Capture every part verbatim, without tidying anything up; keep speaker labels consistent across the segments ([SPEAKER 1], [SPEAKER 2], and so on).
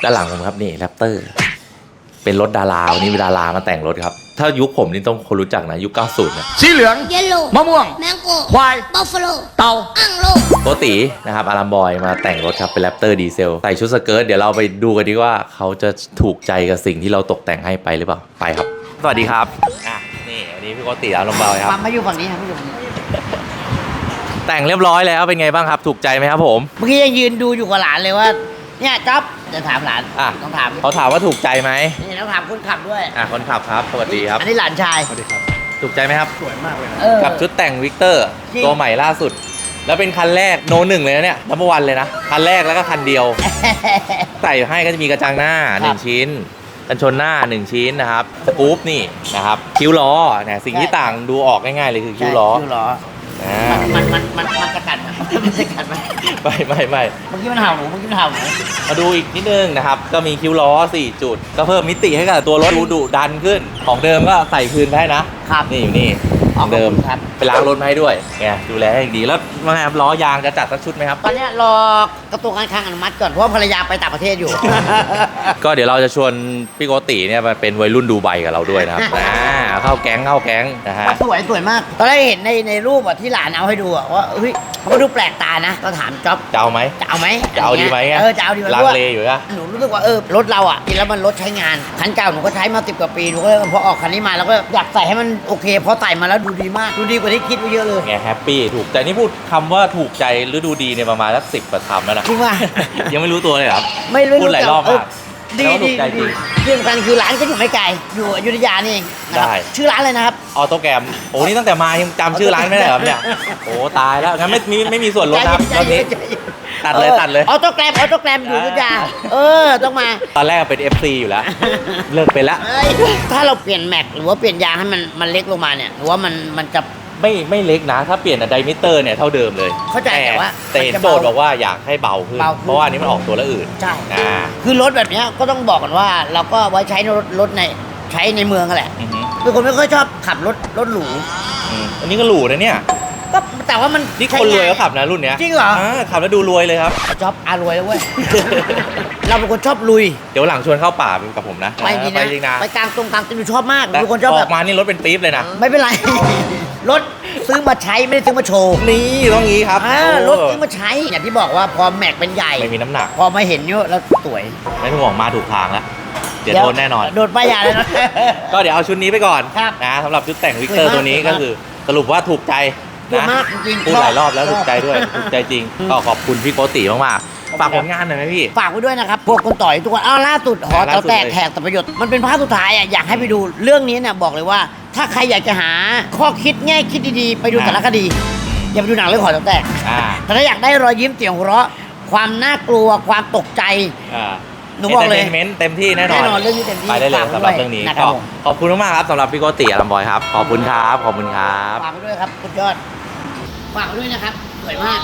[SPEAKER 1] ด้านหลังผมครับนี่แรปเตอร์เป็นรถดาราวันนี้มีดารามาแต่งรถครับถ้ายุคผมนี่ต้องคนรู้จักนะยุคเก้าสิบนะ
[SPEAKER 2] สีเหลือง
[SPEAKER 3] เยลโล่
[SPEAKER 2] มะม่วง
[SPEAKER 3] แมงโก้
[SPEAKER 2] ควาย
[SPEAKER 3] บัฟฟาโล
[SPEAKER 2] เต่า
[SPEAKER 3] อังโล
[SPEAKER 1] โกตินะครับอารามบอยมาแต่งรถครับเป็นแรปเตอร์ดีเซลใส่ชุดสเกิร์ตเดี๋ยวเราไปดูกันดีว่าเขาจะถูกใจกับสิ่งที่เราตกแต่งให้ไปหรือเปล่าไปครับสวัสดีครับอ่ะนี่วันนี้พี่โกติอารามบอยครับ
[SPEAKER 4] มาอยู่ฝั่งนี้ครับมาอยู่ฝั่งนี้
[SPEAKER 1] แต่งเรียบร้อยแล้วเป็นไงบ้างครับถูกใจไหมครับผม
[SPEAKER 4] เมื่อกี้ยังยืนดูอยู่กับหลานเลยว่าเนี่ยจ๊อบจะถามหลาน
[SPEAKER 1] อ่ะ
[SPEAKER 4] ต้องถาม
[SPEAKER 1] เขาถามว่าถูกใจไหม
[SPEAKER 4] นี่ต้องถามคนขับด้วย
[SPEAKER 1] อ่ะคนขับครับสวัสดีครับ
[SPEAKER 4] อันนี้หลานชาย
[SPEAKER 2] สวัสดีครับ
[SPEAKER 1] ถูกใจไหมครับ
[SPEAKER 2] สวยมากเลยนะ
[SPEAKER 4] เออ
[SPEAKER 1] กับชุดแต่งวิกเตอร์
[SPEAKER 4] จริง
[SPEAKER 1] ตัวใหม่ล่าสุด แล้วเป็นคันแรกโนหนึ่งเลยนะเนี่ยนับวันเลยนะคันแรกแล้วก็คันเดียว ใส่ให้ก็จะมีกระจังหน้าหนึ่งชิ้นกันชนหน้าหนึ่งชิ้นนะครับสกู๊ปนี่นะครับคิ้วล้อเนี่ยสิ่งที่ต่างดูออกง่ายๆเลยคือคิ้วล้อ
[SPEAKER 4] คิ้วล้อ
[SPEAKER 1] อ่า
[SPEAKER 4] มันมันมันมันจะกัดไหมมันจะกัดไหม
[SPEAKER 1] ไม่ไม่ไม่
[SPEAKER 4] เมื่อกี้มันเห่าหนูเมื่อกี้มันเห่าหนู
[SPEAKER 1] มาดูอีกนิดนึงนะครับก็มีคิ้วล้อสี่จุดก็เพิ่มมิติให้กับตัวรถดูดุดันขึ้นของเดิมก็ใส่พื้นให้นะครับนี่อยู่นี่ของเดิม
[SPEAKER 4] ครับ
[SPEAKER 1] ไปล้างรถมาให้ด้วยไงดูแลให้อย่างดีแล้วว่าไงครับล้อยางจะจัดสักชุดไหมครับ
[SPEAKER 4] ตอนเนี้ยรอกระทรวงการคลังอนุมัติก่อนเพราะว่าภรรยาไปต่างประเทศอยู่
[SPEAKER 1] ก็เดี๋ยวเราจะชวนพี่โกติเนี่ยมาเป็นวัยรุ่นดูไบกับเราด้วยนะครับอ่าเข้าแก๊งเข้าแก๊งนะฮะ
[SPEAKER 4] สวยสวยมาก ตอนแรกเห็นในในรูปอะที่หลานเอาให้ดูอะว่าเฮ้ยเขาก็ดูแปลกตานะก็ถามจ๊อบ
[SPEAKER 1] จะเอาไหม
[SPEAKER 4] จะเอาไหม
[SPEAKER 1] จะเอาดีไหม
[SPEAKER 4] เออจะเอาดีไหม
[SPEAKER 1] ลังเลอยู่นะ
[SPEAKER 4] หนูรู้สึกว่าเออรถเราอ่ะกินแล้วมันรถใช้งานคันเก่าหนูก็ใช้มาสิบกว่าปีหนูก็เลยพอออกคันนี้มาแล้วก็อยากใส่ให้มันโอเคพอใส่มาแล้วดูดีมากดูดีกว่าที่คิดไว้เยอะเลย
[SPEAKER 1] ไงแฮปปี้ถูกใจนี่พูดคำว่าถูกใจหรือดูดีเนี่ยประมาณสักสิบกว่าคำแล้วนะ
[SPEAKER 4] จริงป่ะ
[SPEAKER 1] ยังไม่รู้ตัวเลยเหรอครับ
[SPEAKER 4] ไม่รู้
[SPEAKER 1] พูดหลายรอบมาก
[SPEAKER 4] เดี
[SPEAKER 1] แล้วถู
[SPEAKER 4] ดี
[SPEAKER 1] กใจจริง
[SPEAKER 4] ที่สำคัญคือร้านก็อยู่ไม่ไกลอยู่อยุธยานี่เองนะครับ
[SPEAKER 1] ได้
[SPEAKER 4] ชื่อร้านเลยนะครับ
[SPEAKER 1] ออโต้แกรมโอ้นี่ตั้งแต่มายังจำชื่อร้านไม่ได้เหรอครับเนี่ยโอ้ตายแล้วงั้นไม่มีไม่มีส่วนลดนะครับรอบนี้ ตัดเลยตัดเลย
[SPEAKER 4] ออโต้แกรมออโต้แกรมอยู่อยุธยาเออต้องมา
[SPEAKER 1] ตอนแรกเป็น เอฟ ซี อยู่แล้ว เลิกไปแล้ว
[SPEAKER 4] เอ้ยถ้าเราเปลี่ยนแม็กหรือว่าเปลี่ยนยางให้มันมันเล็กลงมาเนี่ยหรือว่ามันมันจะ
[SPEAKER 1] ไม่ไม่เล็กนะ ถ้าเปลี่ยนอะไดมิเตอร์เนี่ยเท่าเดิมเลย
[SPEAKER 4] เข้าใจแต่ว่า
[SPEAKER 1] แต่เห็น
[SPEAKER 4] มันจะ
[SPEAKER 1] โจ
[SPEAKER 4] เบา
[SPEAKER 1] ทย์บอกว่าอยากให้เบาขึ้น
[SPEAKER 4] เบาขึ้น
[SPEAKER 1] เพราะว่าอันนี้มันออกตัวละอื่น
[SPEAKER 4] ใช่
[SPEAKER 1] อ่า
[SPEAKER 4] คือรถแบบเนี้ยก็ต้องบอกกันว่า เราก็ไว้ใช้ในรถรถในใช้ในเมืองกันแหละ
[SPEAKER 1] อือหือ
[SPEAKER 4] เป็นคนไม่ค่อยชอบขับรถรถหรู
[SPEAKER 1] อืมอันนี้ก็หรูนะเนี่ย
[SPEAKER 4] ก็แต่ว่ามัน
[SPEAKER 1] นี่คนรวยเขาขับนะรุ่นเนี้ย
[SPEAKER 4] จริงเหรอ
[SPEAKER 1] อ่าขับแล้วดูรวยเลยครับ
[SPEAKER 4] ชอบอารวยแล้วเว้ย เราเป็นคนชอบลุย
[SPEAKER 1] เดี๋ยวหลังชวนเข้าป่ากับผมนะ
[SPEAKER 4] ไปจริง
[SPEAKER 1] ไป
[SPEAKER 4] นะ
[SPEAKER 1] จริงนะ
[SPEAKER 4] ไปกลางตรงกลางติมชอบมาก
[SPEAKER 1] แต่
[SPEAKER 4] เป็นคนชอบ
[SPEAKER 1] อ
[SPEAKER 4] แบ
[SPEAKER 1] อบ กมานี่รถเป็นปี๊บเลยนะ
[SPEAKER 4] ไม่เป็นไร รถซื้อมาใช้ไม่ได้ซื้อมาโชว์
[SPEAKER 1] นี่ต้องงี้ครับ
[SPEAKER 4] อ่า
[SPEAKER 1] โอ้
[SPEAKER 4] รถซื้อมาใช้อย่างที่บอกว่าพอแม็กเป็นใหญ่
[SPEAKER 1] ไม่มีน้ำหนัก
[SPEAKER 4] พอมาเห็นเยอะแล้วสวย
[SPEAKER 1] ไม่ต้องห่วงมาถูกทางแล้วเดี๋ยวโดนแน่นอน
[SPEAKER 4] โดนป้ายยาแล้วนะ
[SPEAKER 1] ก็เดี๋ยวเอาชุดนี้ไปก่อน
[SPEAKER 4] ครับ
[SPEAKER 1] นะสำหรับชุดแต่งวิกเตอร์
[SPEAKER 4] สวยมาก
[SPEAKER 1] ตัวนี้
[SPEAKER 4] สวยมาก
[SPEAKER 1] ก็คือสรุปว่าถูกใจ
[SPEAKER 4] ถูก
[SPEAKER 1] นะ
[SPEAKER 4] มากจริงๆ
[SPEAKER 1] พูดหลายรอบแล้ว
[SPEAKER 4] ชอบ
[SPEAKER 1] ถูกใจด้วยถูกใจจริง
[SPEAKER 4] อืม
[SPEAKER 1] ก็ขอบคุณพี่โกติมากๆฝากผลงานหน่อยไหมพี่
[SPEAKER 4] ฝากไว้ด้วยนะครับ พวกคนต่อยทุกคนอ้าวล่าสุดหอ
[SPEAKER 1] ล่า
[SPEAKER 4] เตา
[SPEAKER 1] สุด
[SPEAKER 4] แตก
[SPEAKER 1] เลย
[SPEAKER 4] แถกแต่ประโยชน์มันเป็นภาพสุดท้ายอ่ะอยากให้ไปดูเรื่องนี้เนี่ยบอกเลยว่า ถ้าใครอยากจะหาข้อคิดแง่คิดดีๆ ไปดูสารคดี อย่าไปดูหนังเรื่องหอเตาแตก
[SPEAKER 1] อ่า
[SPEAKER 4] แต่ถ้าอยากได้รอยยิ้มเสียงหัวเราะความน่ากลัวความตกใจ
[SPEAKER 1] อ่า
[SPEAKER 4] หนูบอกเลย
[SPEAKER 1] เมนต์เต็มที่แน่นอน
[SPEAKER 4] แน่นอนเรื่องนี้เต็มที่
[SPEAKER 1] ไปได้เลย
[SPEAKER 4] ฝากไว้
[SPEAKER 1] สำหรับ
[SPEAKER 4] ด้วย
[SPEAKER 1] เรื่องนี้
[SPEAKER 4] นะครับ
[SPEAKER 1] ก็
[SPEAKER 4] ผม
[SPEAKER 1] ขอบคุณมากๆครับสำหรับพี่โกติอารัมบอยครับขอบคุณครับขอบคุณครับ
[SPEAKER 4] ฝากไว้ด้วยครับคุณยอดฝากไว้ด้วยนะครับสวยมาก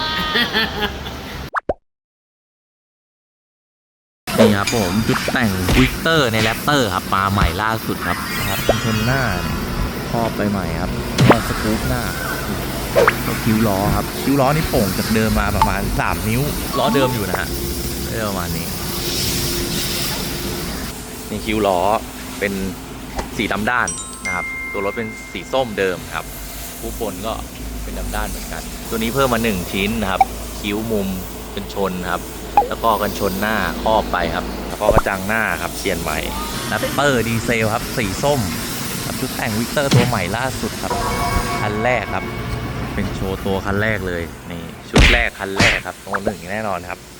[SPEAKER 1] นี่ครับผมชุดแต่งวิกเตอร์ในแรปเตอร์ครับมาใหม่ล่าสุดครับนะครับเป็นชนหน้าครอบไปใหม่ครับแล้วสกู๊ปหน้าก็คิ้วล้อครับคิ้วล้อนี่โป่งจากเดิมมาประมาณสามนิ้วล้อเดิมอยู่นะฮะได้ประมาณนี้นี่คิ้วล้อเป็นสีดำด้านนะครับตัวรถเป็นสีส้มเดิมครับผู้บนก็เป็นดำด้านเหมือนกัน ตัวนี้เพิ่มมาหนึ่งชิ้นนะครับคิ้วมุมเป็นชนครับแล้วก็กันชนหน้าครอบไปครับแล้วก็กระจังหน้าครับเปลี่ยนใหม่แรปเปอร์ดีเซลครับสีส้มครับชุดแต่งวิกเตอร์ตัวใหม่ล่าสุดครับคันแรกครับเป็นโชว์ตัวคันแรกเลยนี่ชุดแรกคันแรกครับโนหนึ่งแน่นอนครับ